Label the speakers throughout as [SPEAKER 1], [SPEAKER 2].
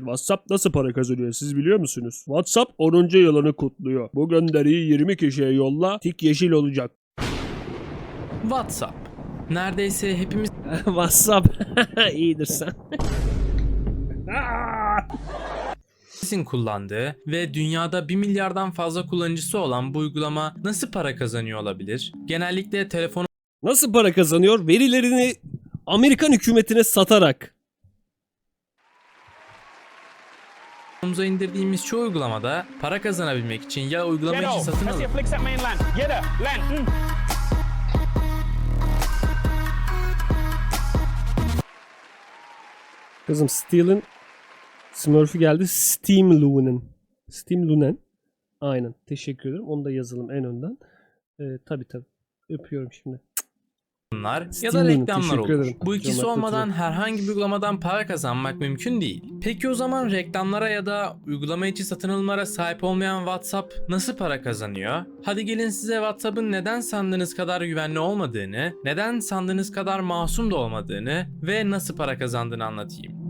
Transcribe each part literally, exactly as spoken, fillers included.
[SPEAKER 1] WhatsApp nasıl para kazanıyor siz biliyor musunuz? WhatsApp onuncu yılını kutluyor. Bu gönderiyi yirmi kişiye yolla, tik yeşil olacak.
[SPEAKER 2] WhatsApp. Neredeyse hepimiz
[SPEAKER 1] WhatsApp iyidir sen.
[SPEAKER 2] Sizin kullandığı ve dünyada bir milyardan fazla kullanıcısı olan bu uygulama nasıl para kazanıyor olabilir? Genellikle telefonumuza
[SPEAKER 1] Nasıl para kazanıyor? Verilerini Amerikan hükümetine satarak.
[SPEAKER 2] indirdiğimiz çoğu uygulamada para kazanabilmek için ya uygulama için satın alın
[SPEAKER 1] Kızım Steel'in Smurf'ü geldi. Steam Lunen. Steam Lunen. Aynen. Teşekkür ederim. Onu da yazalım en önden. Ee, tabii tabii. Öpüyorum şimdi.
[SPEAKER 2] ya da
[SPEAKER 1] Steam
[SPEAKER 2] reklamlar
[SPEAKER 1] teşekkür
[SPEAKER 2] olur.
[SPEAKER 1] ederim.
[SPEAKER 2] Bu ikisi
[SPEAKER 1] Canım,
[SPEAKER 2] olmadan
[SPEAKER 1] öpüyorum.
[SPEAKER 2] herhangi bir uygulamadan para kazanmak mümkün değil. Peki o zaman reklamlara ya da uygulama içi satın alımlara sahip olmayan WhatsApp nasıl para kazanıyor? Hadi gelin size WhatsApp'ın neden sandığınız kadar güvenli olmadığını, neden sandığınız kadar masum da olmadığını ve nasıl para kazandığını anlatayım.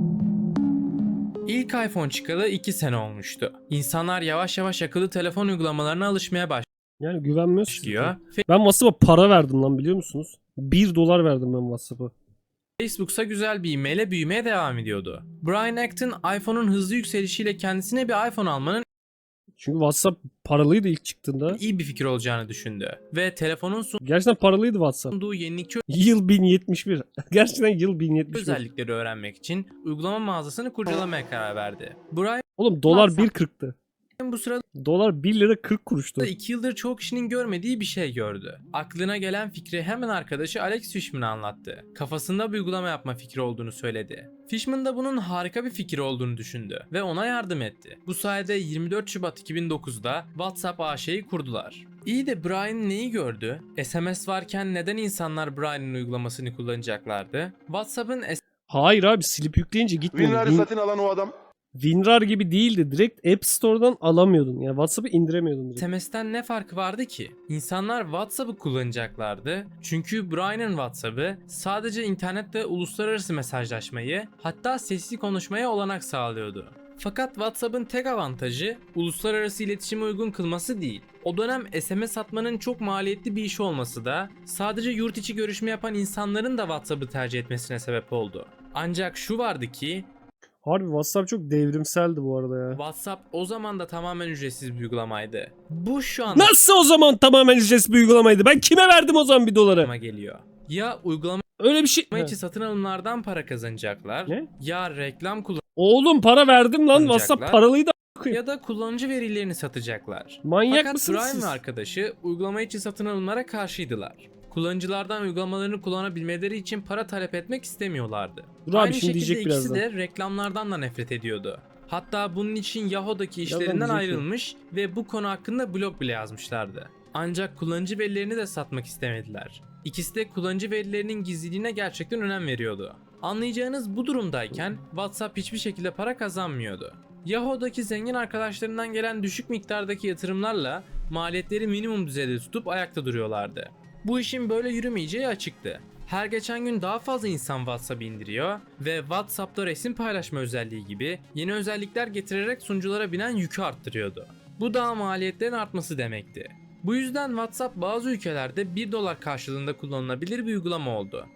[SPEAKER 2] İlk iPhone çıkalı iki sene olmuştu. İnsanlar yavaş yavaş akıllı telefon uygulamalarına alışmaya
[SPEAKER 1] Yani güvenmiyoruz.
[SPEAKER 2] başlıyor.
[SPEAKER 1] Ben WhatsApp'a para verdim lan biliyor musunuz? bir dolar verdim ben WhatsApp'a.
[SPEAKER 2] Facebook'sa güzel bir ivmeyle büyümeye devam ediyordu. Brian Acton iPhone'un hızlı yükselişiyle kendisine bir iPhone almanın
[SPEAKER 1] Çünkü WhatsApp paralıydı ilk çıktığında.
[SPEAKER 2] iyi bir fikir olacağını düşündü. Ve telefonun
[SPEAKER 1] Gerçekten paralıydı WhatsApp.
[SPEAKER 2] sunduğu yenilikçi
[SPEAKER 1] Yıl bin yetmiş bir. Gerçekten yıl bin yetmiş bir.
[SPEAKER 2] özellikleri öğrenmek için uygulama mağazasını kurcalamaya karar verdi. Brian
[SPEAKER 1] Oğlum dolar bir kırktı.
[SPEAKER 2] bu sırada
[SPEAKER 1] Dolar bir lira kırk kuruştu.
[SPEAKER 2] iki yıldır çoğu kişinin görmediği bir şey gördü. Aklına gelen fikri hemen arkadaşı Alex Fishman'a anlattı. Kafasında bir uygulama yapma fikri olduğunu söyledi. Fishman da bunun harika bir fikir olduğunu düşündü ve ona yardım etti. Bu sayede yirmi dört Şubat iki bin dokuzda WhatsApp A Ş'yi kurdular. İyi de Brian neyi gördü? S M S varken neden insanlar Brian'ın uygulamasını kullanacaklardı? WhatsApp'ın
[SPEAKER 1] Hayır abi silip yükleyince gitmedi.
[SPEAKER 3] WinRAR'ı
[SPEAKER 1] Win,
[SPEAKER 3] satın alan o adam
[SPEAKER 1] WinRAR gibi değildi. Direkt App Store'dan alamıyordun. Yani WhatsApp'ı indiremiyordun direkt.
[SPEAKER 2] S M S'ten ne farkı vardı ki? İnsanlar WhatsApp'ı kullanacaklardı. Çünkü Brian'ın WhatsApp'ı sadece internette uluslararası mesajlaşmayı, hatta sesli konuşmaya olanak sağlıyordu. Fakat WhatsApp'ın tek avantajı uluslararası iletişime uygun kılması değil. O dönem S M S atmanın çok maliyetli bir iş olması da sadece yurt içi görüşme yapan insanların da WhatsApp'ı tercih etmesine sebep oldu. Ancak şu vardı ki
[SPEAKER 1] Harbi WhatsApp çok devrimseldi bu arada ya.
[SPEAKER 2] WhatsApp o zaman da tamamen ücretsiz bir uygulamaydı. Bu şu anda
[SPEAKER 1] Nasıl o zaman tamamen ücretsiz bir uygulamaydı? Ben kime verdim o zaman bir doları?
[SPEAKER 2] geliyor. Ya uygulama
[SPEAKER 1] Öyle bir şey.
[SPEAKER 2] içi satın alımlardan para kazanacaklar.
[SPEAKER 1] Ne?
[SPEAKER 2] Ya reklam
[SPEAKER 1] Oğlum para verdim lan. WhatsApp
[SPEAKER 2] Kullanacaklar.
[SPEAKER 1] paralıydı.
[SPEAKER 2] ya da kullanıcı verilerini satacaklar.
[SPEAKER 1] Manyak
[SPEAKER 2] Fakat
[SPEAKER 1] mısınız
[SPEAKER 2] Brian
[SPEAKER 1] siz?
[SPEAKER 2] ve arkadaşı uygulama içi satın alımlara karşıydılar. Kullanıcılardan uygulamalarını kullanabilmeleri için para talep etmek istemiyorlardı.
[SPEAKER 1] Dur abi,
[SPEAKER 2] Aynı
[SPEAKER 1] şimdi
[SPEAKER 2] şekilde
[SPEAKER 1] diyecek
[SPEAKER 2] ikisi
[SPEAKER 1] birazdan.
[SPEAKER 2] de reklamlardan da nefret ediyordu. Hatta bunun için Yahoo'daki işlerinden
[SPEAKER 1] diyecek
[SPEAKER 2] ayrılmış ve bu konu hakkında blog bile yazmışlardı. Ancak kullanıcı verilerini de satmak istemediler. İkisi de kullanıcı verilerinin gizliliğine gerçekten önem veriyordu. Anlayacağınız bu durumdayken WhatsApp hiçbir şekilde para kazanmıyordu. Yahoo'daki zengin arkadaşlarından gelen düşük miktardaki yatırımlarla maliyetleri minimum düzeyde tutup ayakta duruyorlardı. Bu işin böyle yürümeyeceği açıktı. Her geçen gün daha fazla insan WhatsApp indiriyor ve WhatsApp'ta resim paylaşma özelliği gibi yeni özellikler getirerek sunuculara binen yükü arttırıyordu. Bu da maliyetlerin artması demekti. Bu yüzden WhatsApp bazı ülkelerde bir dolar karşılığında kullanılabilir bir uygulama oldu.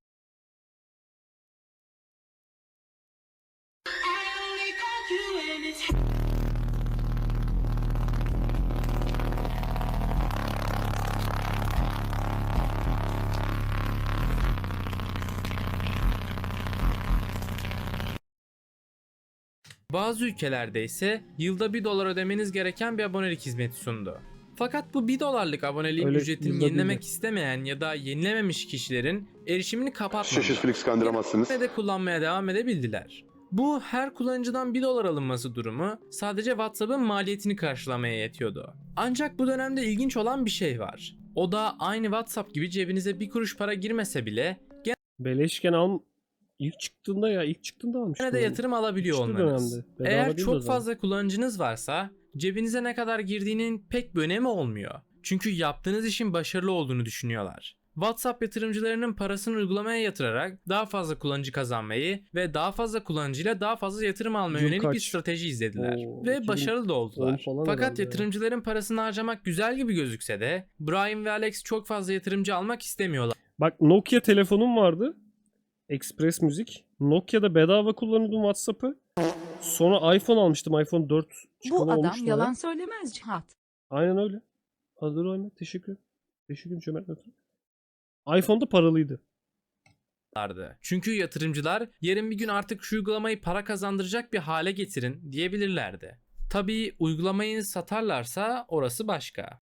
[SPEAKER 2] Bazı ülkelerde ise yılda bir dolar ödemeniz gereken bir abonelik hizmeti sundu. Fakat bu bir dolarlık aboneliğin
[SPEAKER 1] Öyle
[SPEAKER 2] ücretini
[SPEAKER 1] yılda
[SPEAKER 2] yenilemek
[SPEAKER 1] değil.
[SPEAKER 2] istemeyen ya da yenilememiş kişilerin erişimini kapatmadılar.
[SPEAKER 3] şaşır Felix kandıramazsınız.
[SPEAKER 2] Ve de kullanmaya devam edebildiler. Bu her kullanıcıdan bir dolar alınması durumu sadece WhatsApp'ın maliyetini karşılamaya yetiyordu. Ancak bu dönemde ilginç olan bir şey var. O da aynı WhatsApp gibi cebinize bir kuruş para girmese bile
[SPEAKER 1] Beleşken al... İlk çıktığında ya ilk çıktığında almıştım.
[SPEAKER 2] gene de yatırım alabiliyor
[SPEAKER 1] Çıktı
[SPEAKER 2] olmanız.
[SPEAKER 1] dönemde. Bedava
[SPEAKER 2] Eğer
[SPEAKER 1] değil o
[SPEAKER 2] çok
[SPEAKER 1] zaman.
[SPEAKER 2] fazla kullanıcınız varsa cebinize ne kadar girdiğinin pek bir önemi olmuyor. Çünkü yaptığınız işin başarılı olduğunu düşünüyorlar. WhatsApp yatırımcılarının parasını uygulamaya yatırarak daha fazla kullanıcı kazanmayı ve daha fazla kullanıcıyla daha fazla yatırım almaya
[SPEAKER 1] Yıl
[SPEAKER 2] yönelik bir
[SPEAKER 1] kaç?
[SPEAKER 2] strateji izlediler
[SPEAKER 1] Oo,
[SPEAKER 2] ve
[SPEAKER 1] iki bin
[SPEAKER 2] başarılı da
[SPEAKER 1] on
[SPEAKER 2] oldular.
[SPEAKER 1] falan
[SPEAKER 2] Fakat
[SPEAKER 1] herhalde ya.
[SPEAKER 2] yatırımcıların parasını harcamak güzel gibi gözükse de Brian ve Alex çok fazla yatırımcı almak istemiyorlar.
[SPEAKER 1] Bak Nokia telefonum vardı. Express Müzik. Nokia'da bedava kullanıyordum WhatsApp'ı. Sonra iPhone almıştım. iPhone dört çıkalı
[SPEAKER 3] Bu adam
[SPEAKER 1] olmuştu
[SPEAKER 3] yalan
[SPEAKER 1] ya.
[SPEAKER 3] söylemez Cihat.
[SPEAKER 1] Aynen öyle. Hazır Ahmet. Teşekkür. Teşekkür ederim Cömert Ötürü. iPhone'da paralıydı.
[SPEAKER 2] Çünkü yatırımcılar yarın bir gün artık şu uygulamayı para kazandıracak bir hale getirin diyebilirlerdi. Tabii uygulamayı satarlarsa orası başka.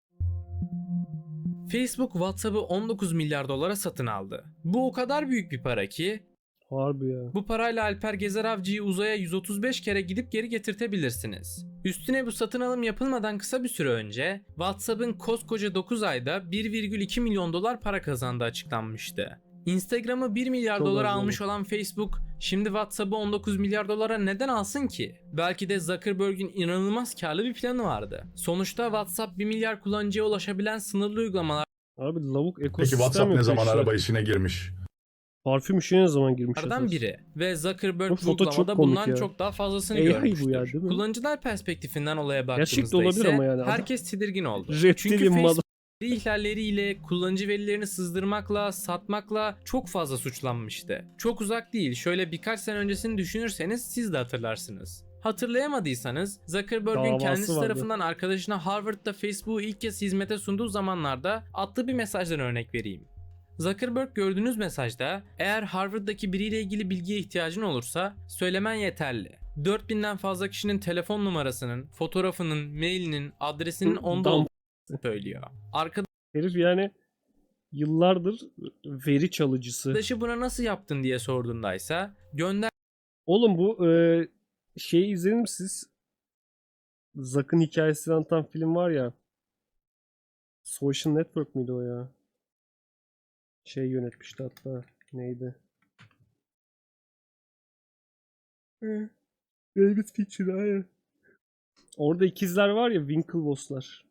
[SPEAKER 2] Facebook WhatsApp'ı on dokuz milyar dolara satın aldı. Bu o kadar büyük bir para ki
[SPEAKER 1] Harbi ya.
[SPEAKER 2] bu parayla Alper Gezer Avcı'yı uzaya yüz otuz beş kere gidip geri getirtebilirsiniz. Üstüne bu satın alım yapılmadan kısa bir süre önce WhatsApp'ın koskoca dokuz ayda bir virgül iki milyon dolar para kazandığı açıklanmıştı. Instagram'ı bir milyar
[SPEAKER 1] Çok
[SPEAKER 2] dolara
[SPEAKER 1] az
[SPEAKER 2] almış olan Facebook şimdi WhatsApp'ı on dokuz milyar dolara neden alsın ki? Belki de Zuckerberg'in inanılmaz karlı bir planı vardı. Sonuçta WhatsApp bir milyar kullanıcıya ulaşabilen sınırlı uygulamalar
[SPEAKER 1] Abi lavuk
[SPEAKER 4] Peki
[SPEAKER 1] ekosistem
[SPEAKER 4] WhatsApp ne
[SPEAKER 1] yapıyor
[SPEAKER 4] zaman
[SPEAKER 1] işte.
[SPEAKER 4] araba işine girmiş?
[SPEAKER 1] Parfüm işine ne zaman girmiş?
[SPEAKER 2] Lardan
[SPEAKER 1] esas?
[SPEAKER 2] biri ve Zuckerberg
[SPEAKER 1] Bu
[SPEAKER 2] bu
[SPEAKER 1] foto çok
[SPEAKER 2] uygulamada
[SPEAKER 1] komik
[SPEAKER 2] bundan
[SPEAKER 1] ya.
[SPEAKER 2] çok daha fazlasını
[SPEAKER 1] A I bu
[SPEAKER 2] görmüştür.
[SPEAKER 1] ya, değil mi?
[SPEAKER 2] Kullanıcılar perspektifinden olaya
[SPEAKER 1] Gerçek de
[SPEAKER 2] baktığımızda
[SPEAKER 1] olabilir
[SPEAKER 2] ise
[SPEAKER 1] ama yani adam-
[SPEAKER 2] herkes tedirgin oldu.
[SPEAKER 1] Reptilin
[SPEAKER 2] Çünkü
[SPEAKER 1] malı.
[SPEAKER 2] Facebook veri ihlalleriyle, kullanıcı verilerini sızdırmakla, satmakla çok fazla suçlanmıştı. Çok uzak değil, şöyle birkaç sene öncesini düşünürseniz siz de hatırlarsınız. Hatırlayamadıysanız Zuckerberg'ün
[SPEAKER 1] Davası
[SPEAKER 2] kendisi
[SPEAKER 1] vardı.
[SPEAKER 2] tarafından arkadaşına Harvard'da Facebook'u ilk kez hizmete sunduğu zamanlarda attığı bir mesajdan örnek vereyim. Zuckerberg gördüğünüz mesajda eğer Harvard'daki biriyle ilgili bilgiye ihtiyacın olursa söylemen yeterli. dört binden fazla kişinin telefon numarasının, fotoğrafının, mailinin, adresinin onda
[SPEAKER 1] Dam-
[SPEAKER 2] olduğunu söylüyor. Arkadaşı
[SPEAKER 1] Herif yani yıllardır veri çalıcısı.
[SPEAKER 2] buna nasıl yaptın diye sorduğundaysa gönder
[SPEAKER 1] Oğlum bu e, şeyi izlediniz mi siz? Zuck'ın hikayesini anlatan film var ya. Social Network miydi o ya? Şey yönetmişti hatta. Neydi? Hı. David Fincher hayır. Orada ikizler var ya, Winklevoss'lar.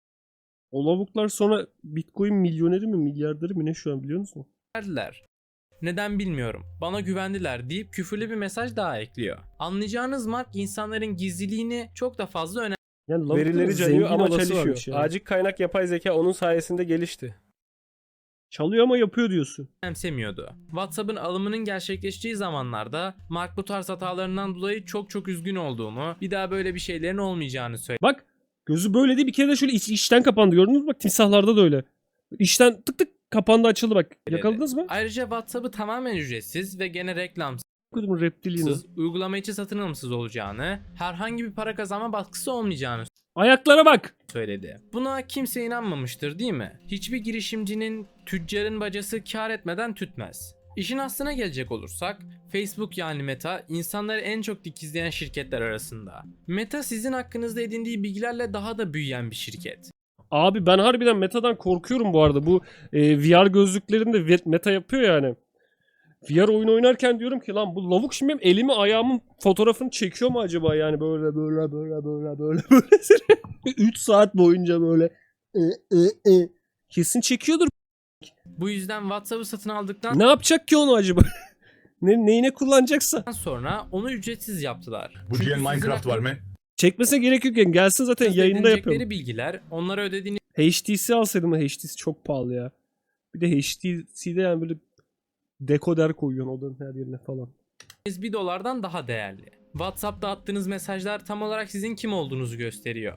[SPEAKER 1] O lavuklar sonra Bitcoin milyoneri mi milyarderi mi ne şu an biliyor musun?
[SPEAKER 2] verdiler. Neden bilmiyorum. Bana güvendiler deyip küfürlü bir mesaj daha ekliyor. Anlayacağınız Mark insanların gizliliğini çok da fazla
[SPEAKER 1] Yani lavukların
[SPEAKER 5] Verileri
[SPEAKER 1] zengin
[SPEAKER 5] çalıyor ama
[SPEAKER 1] olası
[SPEAKER 5] çalışıyor.
[SPEAKER 1] varmış yani.
[SPEAKER 5] Acil kaynak yapay zeka onun sayesinde gelişti.
[SPEAKER 1] Çalıyor ama yapıyor diyorsun.
[SPEAKER 2] önemsemiyordu. WhatsApp'ın alımının gerçekleştiği zamanlarda Mark bu tarz hatalarından dolayı çok çok üzgün olduğunu, bir daha böyle bir şeylerin olmayacağını söyledi.
[SPEAKER 1] Bak gözü böyle değil, bir kere de şöyle iç, içten kapandı, gördünüz mü? Bak timsahlarda da öyle. İçten tık tık kapandı, açıldı bak. Yakaladınız mı?
[SPEAKER 2] Ayrıca WhatsApp'ı tamamen ücretsiz ve gene reklamsız,
[SPEAKER 1] Kodumun reptilianı.
[SPEAKER 2] uygulama içi satın alımsız olacağını, herhangi bir para kazanma baskısı olmayacağını
[SPEAKER 1] Ayaklara bak.
[SPEAKER 2] söyledi. Buna kimse inanmamıştır değil mi? Hiçbir girişimcinin, tüccarın bacası kar etmeden tütmez. İşin aslına gelecek olursak, Facebook yani Meta insanları en çok dikizleyen şirketler arasında. Meta sizin hakkınızda edindiği bilgilerle daha da büyüyen bir şirket.
[SPEAKER 1] Abi ben harbiden Meta'dan korkuyorum bu arada. Bu e, V R gözlüklerini de ve- Meta yapıyor yani. V R oyun oynarken diyorum ki lan bu lavuk şimdi benim elimi ayağımın fotoğrafını çekiyor mu acaba, yani böyle böyle böyle böyle böyle böyle üç saat boyunca böyle e, e, e. Kesin çekiyordur.
[SPEAKER 2] Bu yüzden WhatsApp'ı satın aldıktan
[SPEAKER 1] Ne yapacak ki onu acaba? ne, neyine kullanacaksa.
[SPEAKER 2] sonra onu ücretsiz yaptılar.
[SPEAKER 4] Bu
[SPEAKER 2] Çünkü
[SPEAKER 4] diyen
[SPEAKER 2] sizin
[SPEAKER 4] Minecraft var mı?
[SPEAKER 1] Çekmesine gerek yok yani, gelsin zaten
[SPEAKER 2] hakkınızda
[SPEAKER 1] yayında
[SPEAKER 2] edinecekleri
[SPEAKER 1] yapıyorum.
[SPEAKER 2] bilgiler onlara ödediğiniz
[SPEAKER 1] H T C alsaydım, H T C çok pahalı ya. Bir de H T C'de yani böyle dekoder koyuyorsun odanın her yerine falan.
[SPEAKER 2] bir dolardan daha değerli. WhatsApp'ta attığınız mesajlar tam olarak sizin kim olduğunuzu gösteriyor.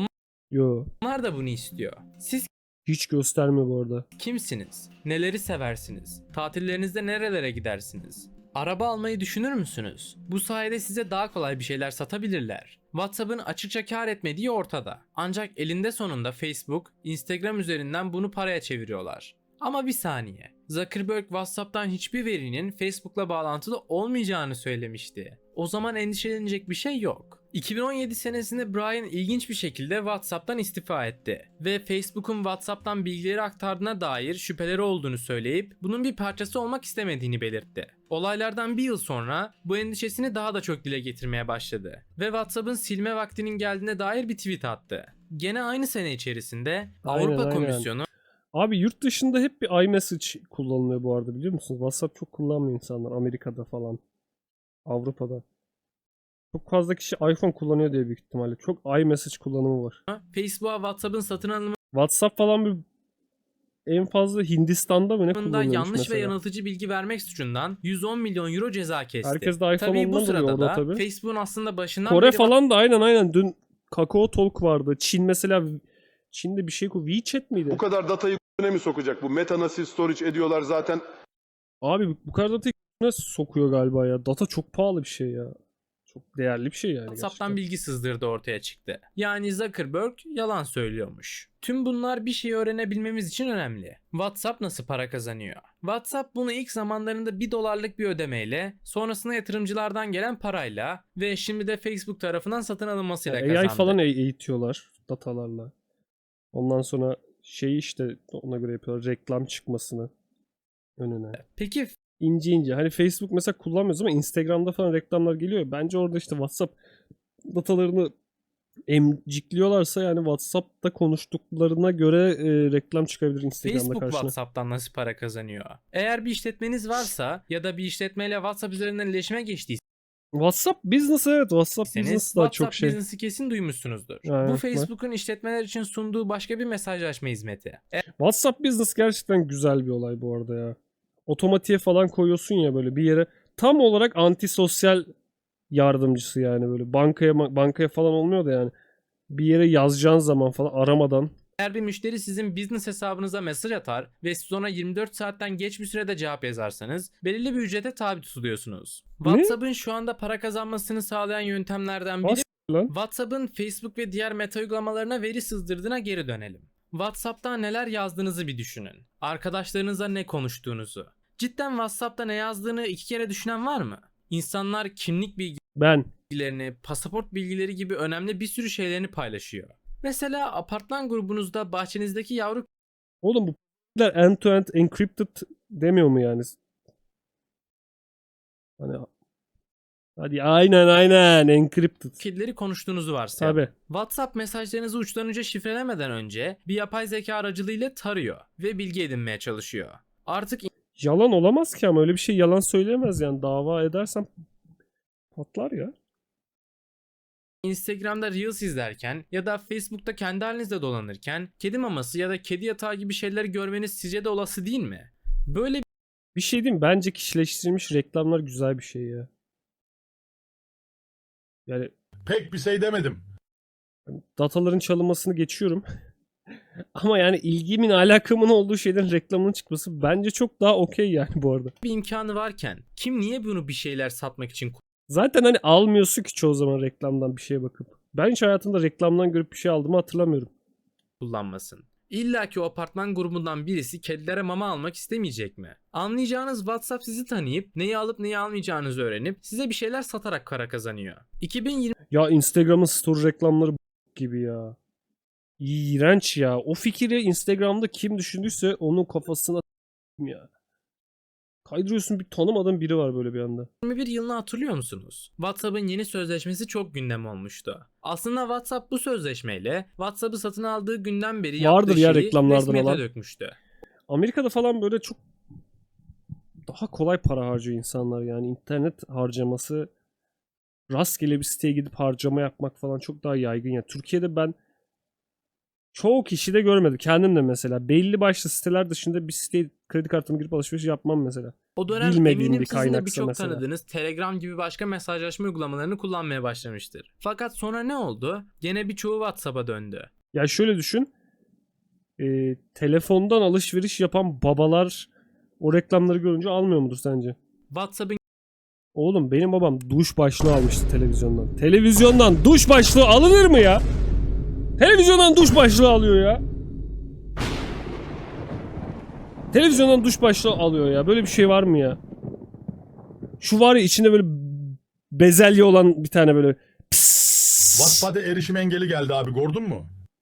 [SPEAKER 1] Yo,
[SPEAKER 2] Onlar da bunu istiyor. Siz
[SPEAKER 1] hiç göstermiyor bu arada.
[SPEAKER 2] kimsiniz? Neleri seversiniz? Tatillerinizde nerelere gidersiniz? Araba almayı düşünür müsünüz? Bu sayede size daha kolay bir şeyler satabilirler. WhatsApp'ın açıkça kar etmediği ortada. Ancak elinde sonunda Facebook, Instagram üzerinden bunu paraya çeviriyorlar. Ama bir saniye. Zuckerberg WhatsApp'tan hiçbir verinin Facebook'la bağlantılı olmayacağını söylemişti. O zaman endişelenecek bir şey yok. iki bin on yedi senesinde Brian ilginç bir şekilde WhatsApp'tan istifa etti ve Facebook'un WhatsApp'tan bilgileri aktardığına dair şüpheleri olduğunu söyleyip bunun bir parçası olmak istemediğini belirtti. Olaylardan bir yıl sonra bu endişesini daha da çok dile getirmeye başladı ve WhatsApp'ın silme vaktinin geldiğine dair bir tweet attı. Gene aynı sene içerisinde
[SPEAKER 1] Aynen,
[SPEAKER 2] Avrupa
[SPEAKER 1] aynen.
[SPEAKER 2] Komisyonu
[SPEAKER 1] Abi yurt dışında hep bir iMessage kullanılıyor bu arada, biliyor musunuz? WhatsApp çok kullanmıyor insanlar. Amerika'da falan. Avrupa'da. Çok fazla kişi iPhone kullanıyor diye büyük ihtimalle. Çok iMessage kullanımı var.
[SPEAKER 2] Facebook'a WhatsApp'ın satın alımında
[SPEAKER 1] WhatsApp falan bir en fazla Hindistan'da mı ne kullanıyormuş
[SPEAKER 2] yanlış
[SPEAKER 1] mesela.
[SPEAKER 2] ve yanıltıcı bilgi vermek suçundan yüz on milyon euro ceza kesti.
[SPEAKER 1] Herkes de iPhone
[SPEAKER 2] Tabii bu
[SPEAKER 1] ondan
[SPEAKER 2] sırada
[SPEAKER 1] oluyor orada
[SPEAKER 2] da
[SPEAKER 1] tabii.
[SPEAKER 2] Facebook'un aslında başından
[SPEAKER 1] Kore
[SPEAKER 2] beri
[SPEAKER 1] falan da aynen aynen. Dün Kakao Talk vardı. Çin mesela, Çin'de bir şey ku WeChat miydi?
[SPEAKER 3] Bu kadar datayı ne mi sokacak? Bu meta nasıl storage ediyorlar zaten.
[SPEAKER 1] Abi bu kadar data nasıl sokuyor galiba ya. Data çok pahalı bir şey ya. Çok değerli bir şey yani
[SPEAKER 2] WhatsApp'tan
[SPEAKER 1] gerçekten.
[SPEAKER 2] bilgi sızdırdı ortaya çıktı. Yani Zuckerberg yalan söylüyormuş. Tüm bunlar bir şeyi öğrenebilmemiz için önemli. WhatsApp nasıl para kazanıyor? WhatsApp bunu ilk zamanlarında bir dolarlık bir ödemeyle, sonrasında yatırımcılardan gelen parayla ve şimdi de Facebook tarafından satın alınmasıyla
[SPEAKER 1] Yani
[SPEAKER 2] kazandı.
[SPEAKER 1] A I falan eğ- eğitiyorlar datalarla. Ondan sonra şey işte ona göre yapıyorlar, reklam çıkmasını önüne.
[SPEAKER 2] Peki
[SPEAKER 1] İnce ince. Hani Facebook mesela kullanmıyoruz ama Instagram'da falan reklamlar geliyor. Bence orada işte WhatsApp datalarını emcikliyorlarsa yani WhatsApp'ta konuştuklarına göre e, reklam çıkabilir Instagram'da
[SPEAKER 2] Facebook
[SPEAKER 1] karşına.
[SPEAKER 2] WhatsApp'tan nasıl para kazanıyor? Eğer bir işletmeniz varsa ya da bir işletmeyle WhatsApp üzerinden iletişime geçtiyseniz
[SPEAKER 1] WhatsApp Business, evet, WhatsApp Business daha
[SPEAKER 2] WhatsApp
[SPEAKER 1] çok şey.
[SPEAKER 2] Business'ı kesin duymuşsunuzdur.
[SPEAKER 1] Evet,
[SPEAKER 2] Bu
[SPEAKER 1] var.
[SPEAKER 2] Facebook'un işletmeler için sunduğu başka bir mesajlaşma hizmeti.
[SPEAKER 1] WhatsApp Business gerçekten güzel bir olay bu arada ya. Otomatiğe falan koyuyorsun ya böyle bir yere. Tam olarak antisosyal yardımcısı yani böyle. Bankaya bankaya falan olmuyor da yani. Bir yere yazacağın zaman falan aramadan.
[SPEAKER 2] Eğer bir müşteri sizin business hesabınıza mesaj atar ve siz ona yirmi dört saatten geç bir sürede cevap yazarsanız belirli bir ücrete tabi tutuluyorsunuz. WhatsApp'ın şu anda para kazanmasını sağlayan yöntemlerden biri
[SPEAKER 1] Nasıl lan?
[SPEAKER 2] WhatsApp'ın Facebook ve diğer meta uygulamalarına veri sızdırdığına geri dönelim. WhatsApp'ta neler yazdığınızı bir düşünün. Arkadaşlarınızla ne konuştuğunuzu. Cidden WhatsApp'ta ne yazdığını iki kere düşünen var mı? İnsanlar kimlik
[SPEAKER 1] Ben.
[SPEAKER 2] bilgilerini, pasaport bilgileri gibi önemli bir sürü şeylerini paylaşıyor. Mesela apartman grubunuzda bahçenizdeki yavru
[SPEAKER 1] Oğlum bu end to end encrypted demiyor mu yani? Hani hadi aynen aynen encrypted.
[SPEAKER 2] kedileri konuştuğunuzu varsayalım.
[SPEAKER 1] Tabii.
[SPEAKER 2] WhatsApp mesajlarınızı uçtan uca şifrelemeden önce bir yapay zeka aracılığıyla tarıyor ve bilgi edinmeye çalışıyor. Artık
[SPEAKER 1] Yalan olamaz ki ama öyle bir şey yalan söyleyemez yani. Dava edersem patlar ya.
[SPEAKER 2] Instagram'da Reels izlerken ya da Facebook'ta kendi halinizde dolanırken kedi maması ya da kedi yatağı gibi şeyleri görmeniz sizce de olası değil mi? Böyle
[SPEAKER 1] Bir şey diyeyim mi? Bence kişileştirilmiş reklamlar güzel bir şey ya. Yani
[SPEAKER 4] Pek bir şey demedim.
[SPEAKER 1] dataların çalınmasını geçiyorum. Ama yani ilgimin alakamın olduğu şeylerin reklamının çıkması bence çok daha okey yani bu arada.
[SPEAKER 2] bir imkanı varken kim niye bunu bir şeyler satmak için
[SPEAKER 1] Zaten hani almıyorsun ki çoğu zaman reklamdan bir şeye bakıp. Ben hiç hayatımda reklamdan görüp bir şey aldığımı hatırlamıyorum.
[SPEAKER 2] kullanmasın? İlla ki o apartman grubundan birisi kedilere mama almak istemeyecek mi? Anlayacağınız WhatsApp sizi tanıyıp neyi alıp neyi almayacağınızı öğrenip size bir şeyler satarak para kazanıyor. iki bin yirmi
[SPEAKER 1] Ya Instagram'ın story reklamları b- gibi ya. İğrenç ya. O fikri Instagram'da kim düşündüyse onun kafasına s**eyim ya. Kaydırıyorsun, bir tanımadığın biri var böyle bir anda.
[SPEAKER 2] bir yılını hatırlıyor musunuz? WhatsApp'ın yeni sözleşmesi çok gündem olmuştu. Aslında WhatsApp bu sözleşmeyle WhatsApp'ı satın aldığı günden beri
[SPEAKER 1] Vardır
[SPEAKER 2] yaptığı
[SPEAKER 1] ya
[SPEAKER 2] şeyi
[SPEAKER 1] reklamlardan
[SPEAKER 2] resmiyete
[SPEAKER 1] olan.
[SPEAKER 2] dökmüştü.
[SPEAKER 1] Amerika'da falan böyle çok daha kolay para harcıyor insanlar yani. İnternet harcaması, rastgele bir siteye gidip harcama yapmak falan çok daha yaygın ya. Türkiye'de ben çoğu kişi de görmedim. Kendim de mesela belli başlı siteler dışında bir siteye kredi kartımı girip alışveriş yapmam mesela.
[SPEAKER 2] O dönem
[SPEAKER 1] Bilmediğim
[SPEAKER 2] eminim
[SPEAKER 1] bir
[SPEAKER 2] sizin de
[SPEAKER 1] kaynaksa
[SPEAKER 2] birçok
[SPEAKER 1] mesela.
[SPEAKER 2] tanıdığınız Telegram gibi başka mesajlaşma uygulamalarını kullanmaya başlamıştır. Fakat sonra ne oldu? Gene birçoğu WhatsApp'a döndü.
[SPEAKER 1] Ya şöyle düşün. e, telefondan alışveriş yapan babalar o reklamları görünce almıyor mudur sence?
[SPEAKER 2] WhatsApp'ın
[SPEAKER 1] Oğlum benim babam duş başlığı almıştı televizyondan. Televizyondan duş başlığı alınır mı ya? Televizyondan duş başlığı alıyor ya. Televizyondan duş başlığı alıyor ya. Böyle bir şey var mı ya? Şu var ya, içinde böyle bezelye olan bir tane böyle pss.
[SPEAKER 4] WhatsApp'ta erişim engeli geldi abi, gördün mü?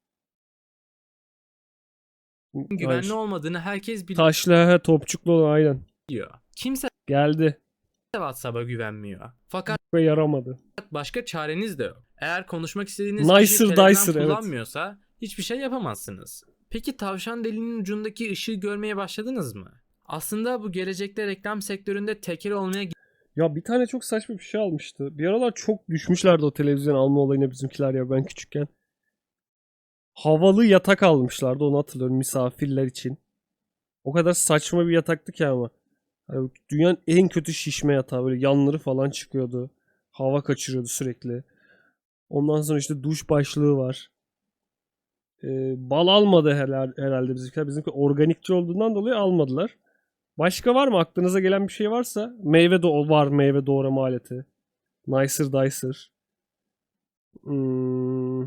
[SPEAKER 2] güvenli
[SPEAKER 1] Hayır.
[SPEAKER 2] olmadığını herkes
[SPEAKER 1] Taşlı, he, topçuklu olan, aynen.
[SPEAKER 2] biliyor. Kimse
[SPEAKER 1] Geldi
[SPEAKER 2] WhatsApp'a güvenmiyor. Fakat
[SPEAKER 1] ve yaramadı.
[SPEAKER 2] başka çareniz de yok. Eğer konuşmak istediğiniz
[SPEAKER 1] Nicer
[SPEAKER 2] kişi Telegram
[SPEAKER 1] dicer, evet.
[SPEAKER 2] kullanmıyorsa hiçbir şey yapamazsınız. Peki tavşan deliğinin ucundaki ışığı görmeye başladınız mı? Aslında bu gelecekte reklam sektöründe tekel olmaya
[SPEAKER 1] Ya bir tane çok saçma bir şey almıştı. Bir aralar çok düşmüşlerdi o televizyon alma olayına bizimkiler ya ben küçükken. Havalı yatak almışlardı, onu hatırlıyorum, misafirler için. O kadar saçma bir yataktı ki ama. Yani dünyanın en kötü şişme yatağı, böyle yanları falan çıkıyordu. Hava kaçırıyordu sürekli. Ondan sonra işte duş başlığı var. Ee, bal almadı herhalde, herhalde bizimkiler. Bizimki organikçi olduğundan dolayı almadılar. Başka var mı? Aklınıza gelen bir şey varsa. Meyve do var, meyve doğrama aleti. Nicer Dicer. Hmm.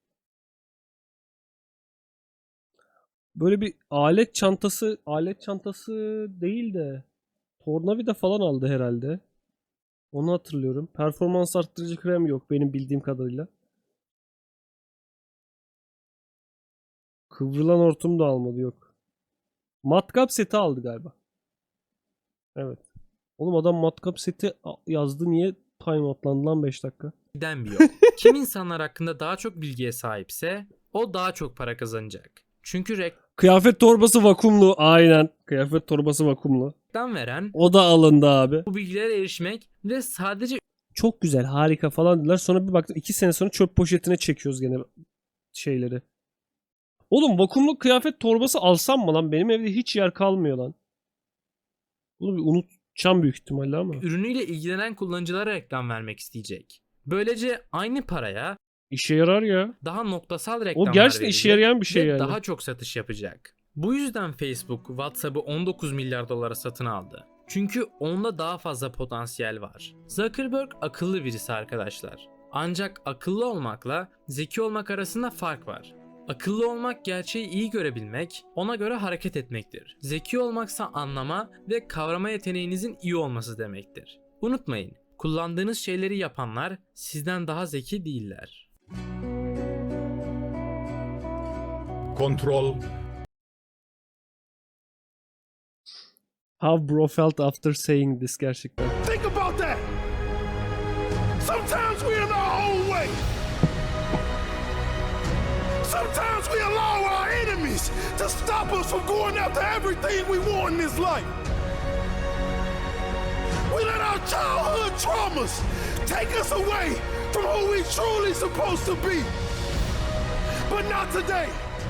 [SPEAKER 1] Böyle bir alet çantası, alet çantası değil de tornavida falan aldı herhalde. Onu hatırlıyorum. Performans arttırıcı krem yok benim bildiğim kadarıyla. Kıvrılan hortum da almadı, yok. Matkap seti aldı galiba. Evet. Oğlum adam matkap seti yazdı, niye time atlandı lan beş dakika?
[SPEAKER 2] giden bir yol. Kim insanlar hakkında daha çok bilgiye sahipse o daha çok para kazanacak. Çünkü
[SPEAKER 1] Kıyafet torbası vakumlu. Aynen. Kıyafet torbası vakumlu.
[SPEAKER 2] reklam veren
[SPEAKER 1] O da alındı abi.
[SPEAKER 2] bu bilgilere erişmek ve sadece
[SPEAKER 1] Çok güzel, harika falan dediler. Sonra bir baktım iki sene sonra çöp poşetine çekiyoruz gene şeyleri. Oğlum vakumlu kıyafet torbası alsam mı lan? Benim evde hiç yer kalmıyor lan. Bunu bir unutacağım büyük ihtimalle ama.
[SPEAKER 2] ürünüyle ilgilenen kullanıcılara reklam vermek isteyecek. Böylece aynı paraya
[SPEAKER 1] İşe yarar ya.
[SPEAKER 2] daha noktasal reklamlar
[SPEAKER 1] O gerçekten işe
[SPEAKER 2] verecek
[SPEAKER 1] yarayan bir şey
[SPEAKER 2] ve
[SPEAKER 1] yani.
[SPEAKER 2] daha çok satış yapacak. Bu yüzden Facebook WhatsApp'ı on dokuz milyar dolara satın aldı. Çünkü onda daha fazla potansiyel var. Zuckerberg akıllı birisi arkadaşlar. Ancak akıllı olmakla zeki olmak arasında fark var. Akıllı olmak gerçeği iyi görebilmek, ona göre hareket etmektir. Zeki olmaksa anlama ve kavrama yeteneğinizin iyi olması demektir. Unutmayın, kullandığınız şeyleri yapanlar sizden daha zeki değiller.
[SPEAKER 4] Kontrol.
[SPEAKER 1] How bro felt after saying this gerçekten.
[SPEAKER 6] Think about that. Sometimes we're in our own way. Sometimes we allow our enemies to stop us from going after everything we want in this life. We let our childhood traumas take us away from who we truly supposed to be. But not today.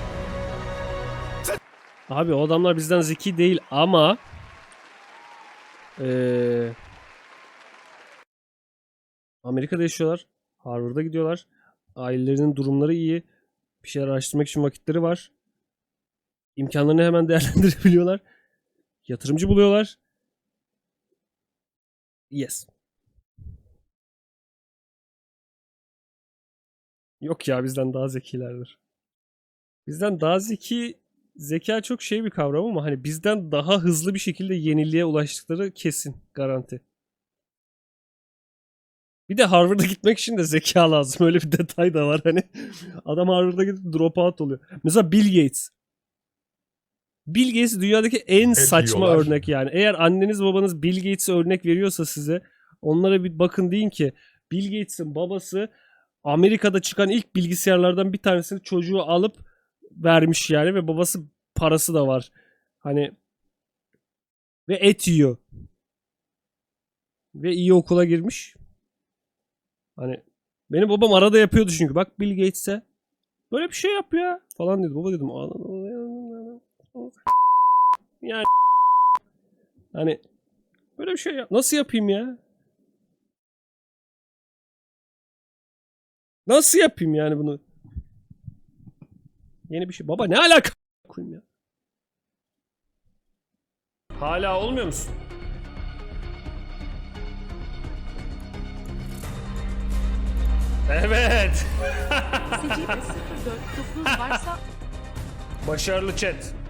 [SPEAKER 1] Abi o adamlar bizden zeki değil ama ee, Amerika'da yaşıyorlar. Harvard'a gidiyorlar. Ailelerinin durumları iyi. Bir şeyler araştırmak için vakitleri var. İmkanlarını hemen değerlendirebiliyorlar. Yatırımcı buluyorlar. Yes. Yok ya, bizden daha zekilerdir. Bizden daha zeki, zeka çok şey bir kavram ama hani bizden daha hızlı bir şekilde yeniliğe ulaştıkları kesin, garanti. Bir de Harvard'a gitmek için de zeka lazım. Öyle bir detay da var hani. Adam Harvard'a gidip drop out oluyor. Mesela Bill Gates. Bill Gates dünyadaki en saçma
[SPEAKER 4] diyorlar.
[SPEAKER 1] örnek yani. Eğer anneniz babanız Bill Gates'e örnek veriyorsa size, onlara bir bakın, deyin ki Bill Gates'in babası Amerika'da çıkan ilk bilgisayarlardan bir tanesini çocuğu alıp vermiş yani ve babası parası da var. Hani ve et yiyor. Ve iyi okula girmiş. Hani benim babam arada yapıyordu çünkü. Bak Bill Gates'e böyle bir şey yap ya falan dedi. Baba dedim. Yani hani böyle bir şey yap. Nasıl yapayım ya? Nasıl yapayım yani bunu? Yeni bir şey. Baba ne alaka koyayım ya? Hala olmuyor musun? Evet.
[SPEAKER 7] Secde sıfır dört dokuz varsa
[SPEAKER 1] Başarılı chat.